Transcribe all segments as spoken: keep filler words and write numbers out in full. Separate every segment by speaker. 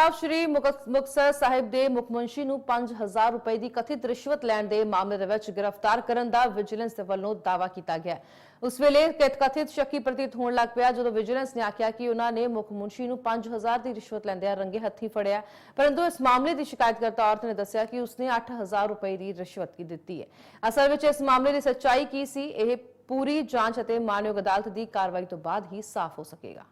Speaker 1: ਪੰਜਾਬ ਸ਼੍ਰੀ ਮੁਕਤਸਰ ਸਾਹਿਬ ਦੇ ਮੁੱਖ ਮੰਤਰੀ ਨੂੰ ਪੰਜ ਹਜ਼ਾਰ ਰੁਪਏ ਦੀ ਕਥਿਤ ਰਿਸ਼ਵਤ ਲੈਣ ਦੇ ਮਾਮਲੇ ਦੇ ਵਿੱਚ ਗ੍ਰਿਫਤਾਰ ਕਰਨ ਦਾ ਵਿਜੀਲੈਂਸ ਦੇ ਵੱਲੋਂ ਦਾਅਵਾ ਕੀਤਾ ਗਿਆ। ਉਸ ਵੇਲੇ ਕਥਿਤ ਸ਼ੱਕੀ ਪ੍ਰਤੀਤ ਹੋਣ ਲੱਗ ਪਿਆ ਜਦੋਂ ਵਿਜੀਲੈਂਸ ਨੇ ਆਖਿਆ ਕਿ ਉਹਨਾਂ ਨੇ ਮੁੱਖ ਮੰਤਰੀ ਨੂੰ ਪੰਜ ਹਜ਼ਾਰ ਦੀ ਰਿਸ਼ਵਤ ਲੈਂਦਿਆਂ ਰੰਗੇ ਹੱਥੀਂ ਫੜਿਆ, ਪਰੰਤੂ ਇਸ ਮਾਮਲੇ ਦੀ ਸ਼ਿਕਾਇਤਕਰਤਾ ਔਰਤ ਨੇ ਦੱਸਿਆ ਕਿ ਉਸਨੇ ਅੱਠ ਹਜ਼ਾਰ ਰੁਪਏ ਦੀ ਰਿਸ਼ਵਤ ਦਿੱਤੀ ਹੈ। ਅਸਲ ਵਿੱਚ ਇਸ ਮਾਮਲੇ ਦੀ ਸੱਚਾਈ ਕੀ ਸੀ, ਇਹ ਪੂਰੀ ਜਾਂਚ ਅਤੇ ਮਾਨਯੋਗ ਅਦਾਲਤ ਦੀ ਕਾਰਵਾਈ ਤੋਂ ਬਾਅਦ ਹੀ ਸਾਫ਼ ਹੋ ਸਕੇਗਾ।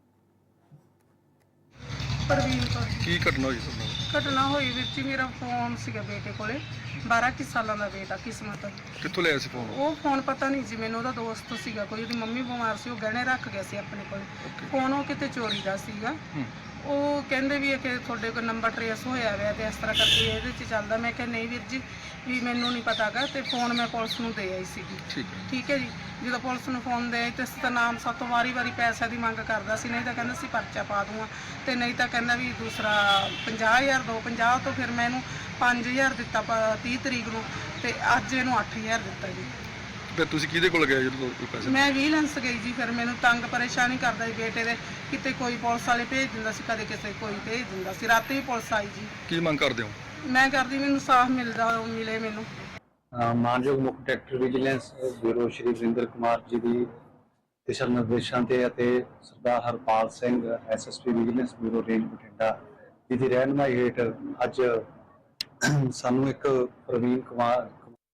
Speaker 2: ਪ੍ਰਵੀਨ ਕੌਰ
Speaker 3: ਕੀ ਘਟਨਾ ਹੋਈ ਸਰ?
Speaker 2: ਘਟਨਾ ਹੋਈ ਵੀਰ ਜੀ, ਮੇਰਾ ਫੋਨ ਸੀਗਾ ਬੇਟੇ ਕੋਲੇ, ਬਾਰਾਂ ਕੁ ਸਾਲਾਂ ਦਾ ਬੇਟਾ ਕਿਸਮਤ।
Speaker 3: ਕਿੱਥੋਂ ਲਿਆ ਸੀ ਫੋਨ?
Speaker 2: ਉਹ ਫੋਨ ਪਤਾ ਨਹੀਂ ਜੀ ਮੈਨੂੰ, ਉਹਦਾ ਦੋਸਤ ਸੀਗਾ ਕੋਈ, ਉਹਦੀ ਮੰਮੀ ਬਿਮਾਰ ਸੀ, ਉਹ ਗਹਿਣੇ ਰੱਖ ਗਿਆ ਸੀ ਆਪਣੇ ਕੋਲ। ਫੋਨ ਉਹ ਕਿਤੇ ਚੋਰੀ ਦਾ ਸੀਗਾ। ਉਹ ਕਹਿੰਦੇ ਵੀ ਇਹ ਕਿ ਤੁਹਾਡੇ ਕੋਲ ਨੰਬਰ ਟਰੇਸ ਹੋਇਆ ਹੋਇਆ ਤੇ ਇਸ ਤਰ੍ਹਾਂ ਕਰਕੇ ਇਹਦੇ 'ਚ ਚੱਲਦਾ। ਮੈਂ ਕਿਹਾ ਨਹੀਂ ਵੀਰ ਜੀ, ਵੀ ਮੈਨੂੰ ਨਹੀਂ ਪਤਾਗਾ, ਤੇ ਫੋਨ ਮੈਂ ਪੁਲਿਸ ਨੂੰ ਦੇ ਆਈ ਸੀਗੀ। ਠੀਕ ਹੈ ਜੀ। ਜਦੋਂ ਪੁਲਿਸ ਨੂੰ ਫੋਨ ਦੇ ਆਈ ਤੇ ਸਤਨਾਮ ਸਾਤੋਂ ਵਾਰੀ ਵਾਰੀ ਪੈਸੇ ਦੀ ਮੰਗ ਕਰਦਾ ਸੀ, ਨਹੀਂ ਤਾਂ ਕਹਿੰਦਾ ਸੀ ਪਰਚਾ ਪਾ ਦੂੰਗਾ, ਤੇ ਨਹੀਂ ਤਾਂ ਕਹਿੰਦਾ ਵੀ ਦੂਸਰਾ ਪੰਜਾਹ ਹਜ਼ਾਰ ਦੋ ਪੰਜਾਹ ਤੋਂ ਫਿਰ ਮੈਂ ਇਹਨੂੰ ਪੰਜ ਹਜ਼ਾਰ ਦਿੱਤਾ ਤੀਹ ਤਰੀਕ ਨੂੰ, ਤੇ ਅੱਜ ਇਹਨੂੰ ਅੱਠ ਹਜ਼ਾਰ ਦਿੱਤਾ ਜੀ।
Speaker 3: ਫਿਰ ਤੁਸੀਂ ਕਿਹਦੇ ਕੋਲ ਗਏ ਜਦੋਂ ਪੈਸੇ?
Speaker 2: ਮੈਂ ਵਿਜੀਲੈਂਸ ਗਈ ਜੀ। ਫਿਰ ਮੈਨੂੰ ਤੰਗ ਪਰੇਸ਼ਾਨੀ ਕਰਦਾ ਸੀ ਬੇਟੇ ਦੇ, ਕਿਤੇ ਕੋਈ ਪੁਲਿਸ ਵਾਲੇ ਭੇਜ ਦਿੰਦਾ ਸੀ, ਕਦੇ ਕਿਸੇ ਕੋਈ ਭੇਜ ਦਿੰਦਾ ਸੀ। ਰਾਤੀ ਵੀ ਪੁਲਿਸ ਆਈ ਜੀ।
Speaker 3: ਕੀ ਮੰਗ ਕਰਦੇ ਹੋ?
Speaker 2: ਮੈਂ ਕਰਦੀ ਮੈਨੂੰ ਸਾਫ਼ ਮਿਲਦਾ ਮਿਲੇ ਮੈਨੂੰ।
Speaker 4: ਮਾਨਯੋਗ ਮੁੱਖ director vigilance bureau Shri Varinder Kumar ji ਦੀ ਦਿਸ਼ਾ ਨਿਰਦੇਸ਼ਾਂ ਤੇ ਅਤੇ Sardar Harpal Singh SSP vigilance bureau range Bathinda ji ਦੀ ਰਹਿਨੁਮਾਈ ਹੇਠ ਅੱਜ ਸਾਨੂੰ ਇੱਕ ਪ੍ਰਵੀਨ ਕੁਮਾਰ